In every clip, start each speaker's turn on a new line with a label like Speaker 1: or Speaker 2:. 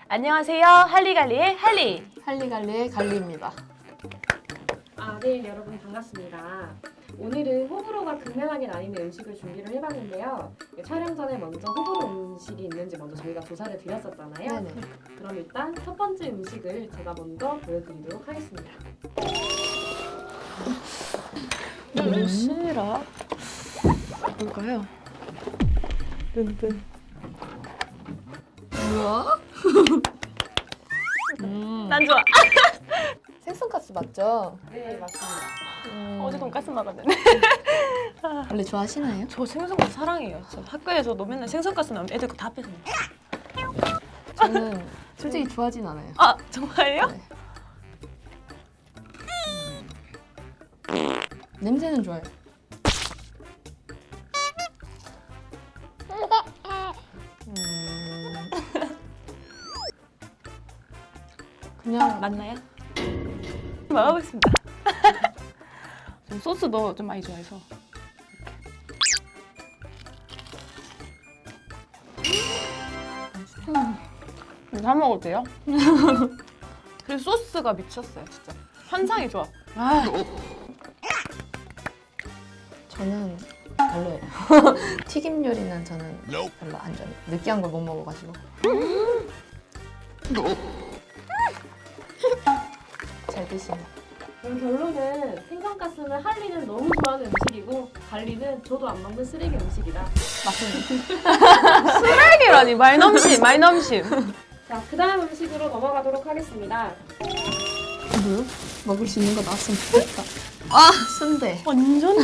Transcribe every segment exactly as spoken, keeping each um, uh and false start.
Speaker 1: 안녕하세요. 할리갈리의 할리.
Speaker 2: 할리갈리의 갈리입니다.
Speaker 3: 아, 네, 여러분 반갑습니다. 오늘은 호불호가 극명하게 나뉘는 음식을 준비를 해봤는데요. 촬영 전에 먼저 호불호 음식이 있는지 먼저 저희가 조사를 드렸었잖아요.
Speaker 2: 네네.
Speaker 3: 그럼 일단 첫 번째 음식을 제가 먼저 보여드리도록 하겠습니다.
Speaker 1: 무엇이라? 뭘까요? 뜬뜬.
Speaker 2: 뭐야?
Speaker 1: 음. 난 좋아.
Speaker 2: 생선가스 맞죠?
Speaker 3: 네, 맞습니다.
Speaker 2: 음.
Speaker 1: 어제 돈까스 먹었는데.
Speaker 2: 원래 좋아하시나요?
Speaker 1: 저 생선가스 사랑해요. 저 학교에서도 맨날 생선가스 나오면 애들 거 다 뺏어 먹어요.
Speaker 2: 저는 솔직히 좋아하진 않아요.
Speaker 1: 아, 정말요?
Speaker 2: 네. 음. 냄새는 좋아요. 음. 그냥
Speaker 1: 맞나요? 먹어보겠습니다. 전 소스도 좀 많이 좋아해서. 음. 다 먹어도 돼요? 그리고 소스가 미쳤어요, 진짜. 환상이 좋아. 아,
Speaker 2: 저는 별로예요. 튀김 요리는 저는 별로 안 좋아해요. 느끼한 걸 못 먹어가지고. 잘 드시네.
Speaker 3: 그럼 결론은 생선가스는 할리는 너무 좋아하는 음식이고 갈리는 저도 안 먹는 쓰레기 음식이다.
Speaker 2: 맞습니다.
Speaker 1: 쓰레기라니. 말넘심, 말넘심.
Speaker 3: 자, 그 다음 음식으로 넘어가도록 하겠습니다.
Speaker 2: 뭐요? 먹을 수 있는 거 나왔으면 좋겠다. 아, 순대.
Speaker 1: 완전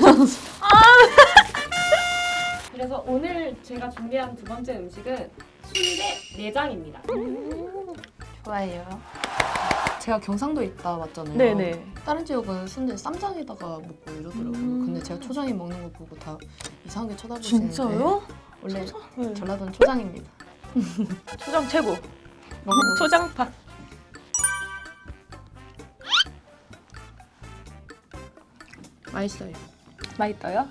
Speaker 3: 그래서 오늘 제가 준비한 두 번째 음식은 순대 내장입니다.
Speaker 2: 좋아해요. 제가 경상도에 있다 왔잖아요.
Speaker 1: 네네.
Speaker 2: 다른 지역은 순대 쌈장에다가 먹고 이러더라고요.
Speaker 1: 음.
Speaker 2: 근데 제가 초장에 먹는 거 보고 다 이상하게 쳐다보시는데
Speaker 1: 진짜요?
Speaker 2: 원래
Speaker 1: 네.
Speaker 2: 전라도는 초장입니다.
Speaker 1: 초장 최고.
Speaker 2: 먹어보세요.
Speaker 1: 초장파.
Speaker 2: 맛있어요.
Speaker 1: 맛있어요?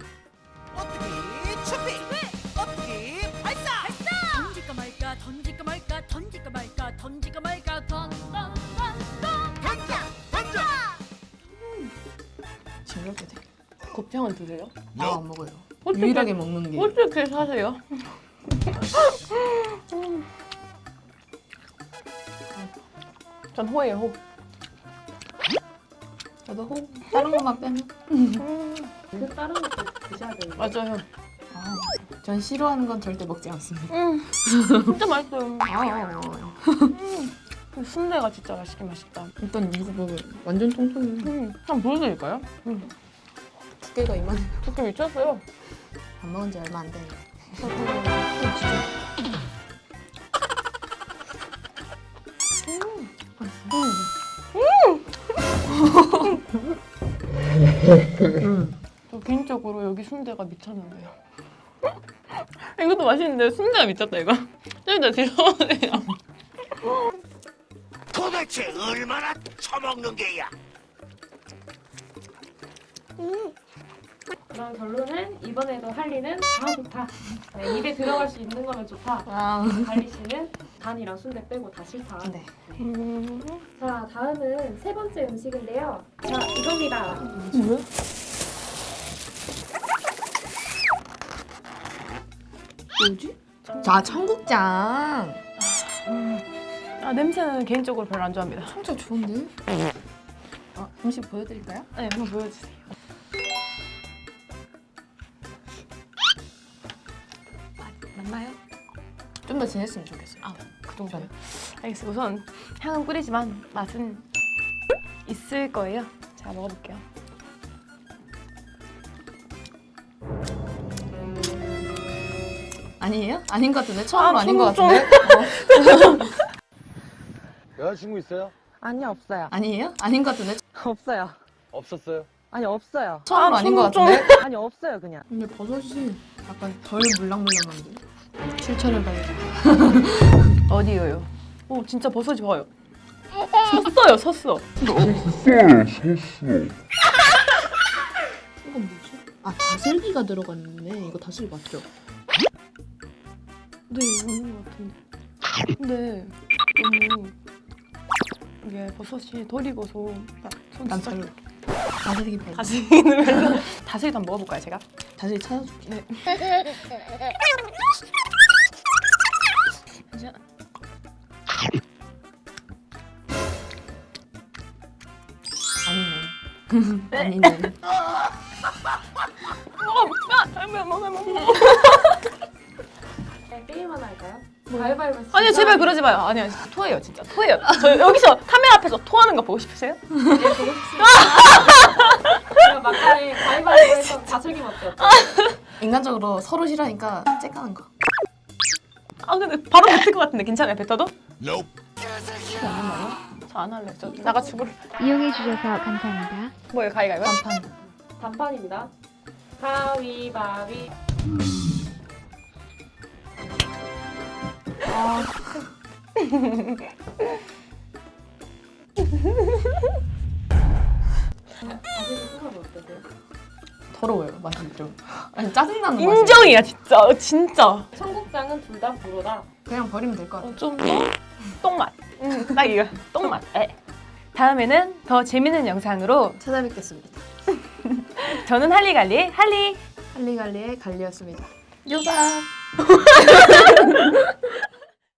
Speaker 4: 던질까 말까 던질까 말까 던질까 말까 던질까 말까 던던던던 던져 던져
Speaker 2: 징그럽게 돼.
Speaker 1: 곱창은 드세요?
Speaker 2: 아, 안 먹어요.
Speaker 1: 어떻게-
Speaker 2: 유일하게 먹는 게.
Speaker 1: 어떻게 사세요? 전 호예요, 호.
Speaker 2: 저도 호 다른 것만 빼면.
Speaker 3: 그 다른 것도 드셔야 되는데.
Speaker 1: 맞아요.
Speaker 2: 아, 전 싫어하는 건 절대 먹지 않습니다.
Speaker 1: 음, 진짜 맛있어요.
Speaker 2: 아,
Speaker 1: 그 순대가 진짜 맛있긴 맛있다.
Speaker 2: 일단 이거 먹어요. 완전 통통해.
Speaker 1: 음, 한번 보여드릴까요? 음,
Speaker 2: 두께가 이만해.
Speaker 1: 두께 미쳤어요.
Speaker 2: 안 먹은 지 얼마 안 돼.
Speaker 1: 저 개인적으로 여기 순대가 미쳤는데요. 이것도 맛있는데 순대가 미쳤다 이거. 좀 이따 드셔보세요.
Speaker 5: 도대체 얼마나 처먹는 게야?
Speaker 3: 그럼 결론은 이번에도 할리는 다 좋다. 네, 입에 들어갈 수 있는 거면 좋다.
Speaker 2: 아,
Speaker 3: 갈리 씨는 간이랑 순대 빼고 다 싫다.
Speaker 2: 네.
Speaker 1: 음,
Speaker 3: 자, 다음은 세 번째 음식인데요. 자, 이겁니다.
Speaker 1: 뭐야?
Speaker 2: 뭐지? 자, 청국장.
Speaker 1: 아, 냄새는 개인적으로 별로 안 좋아합니다.
Speaker 2: 청국장 좋은데? 아, 음식 보여드릴까요?
Speaker 1: 네, 한번 보여주세요. 맞나요?
Speaker 2: 좀 더 진했으면 좋겠어요.
Speaker 1: 아, 그 정도요? 알겠어요. 우선 향은 뿌리지만 맛은 있을 거예요. 제가 먹어볼게요.
Speaker 2: 아니에요? 아닌 것 같은데? 처음으로
Speaker 1: 아,
Speaker 2: 아, 닌것
Speaker 1: 좀-
Speaker 2: 같은데? 어.
Speaker 6: 여자친구 있어요?
Speaker 7: 아니요, 없어요.
Speaker 2: 아니에요? 아닌 것 같은데?
Speaker 7: 없어요.
Speaker 6: 없었어요?
Speaker 7: 아니, 없어요.
Speaker 2: 처음으로
Speaker 1: 아,
Speaker 2: 아, 닌것
Speaker 1: 좀-
Speaker 2: 같은데?
Speaker 7: 아니, 없어요, 그냥.
Speaker 2: 근데 버섯이 약간 덜 물랑물랑한데? 출처를 봐야지.
Speaker 1: 어디요요? 오, 진짜 버섯이 봐요. 섰어요, 섰어.
Speaker 2: 이건 뭐지? 아, 다슬기가 들어갔네. 이거 다슬기 맞죠?
Speaker 1: 네, 있는 것 같은데. 근데 너무 이게 버섯이 덜 익어서 손
Speaker 2: 난
Speaker 1: 진짜
Speaker 2: 별로. 다슬기 별로.
Speaker 1: 다슬기는 별로. 다슬기도 한번 먹어볼까요 제가?
Speaker 2: 다슬기 찾아줄게.
Speaker 1: 네. 이제
Speaker 2: 아니네. 아니네.
Speaker 1: 먹어 먹어 먹어 먹어.
Speaker 3: 네, 게임 하나 할까요? 가위바위보.
Speaker 1: 아니요 제발 그러지 마요. 아니요 토해요 진짜 토해요. 저 여기서 카메라 앞에서 토하는 거 보고 싶으세요?
Speaker 3: 네, 보고 싶습니다. 제가 막간에 가위바위보 해서 다슬기 먹기였죠.
Speaker 2: 인간적으로 서로 싫어하니까 째까는 거.
Speaker 1: 아 근데 바로 뱉을 것 같은데 괜찮아요 뱉어도?
Speaker 5: Nope.
Speaker 1: 저 안 할래요. 저 나가 죽을.
Speaker 8: 이용해 주셔서 감사합니다.
Speaker 1: 뭐예요 가위가위요?
Speaker 2: 단판.
Speaker 3: 단판입니다. 가위바위. 다슬기 소감이 어떠세요?
Speaker 2: 더러워요 맛이 좀. 아니 짜증나는 맛이.
Speaker 1: 인정이야 진짜 진짜.
Speaker 3: 청국장은 둘 다 불어다.
Speaker 2: 그냥 버리면 될 것 같아.
Speaker 1: 어, 좀 똥맛. 음, 딱 이거 똥맛. 에. 다음에는 더 재밌는 영상으로
Speaker 2: 찾아뵙겠습니다.
Speaker 1: 저는 할리갈리 할리
Speaker 2: 할리갈리의 갈리였습니다.
Speaker 1: 유바.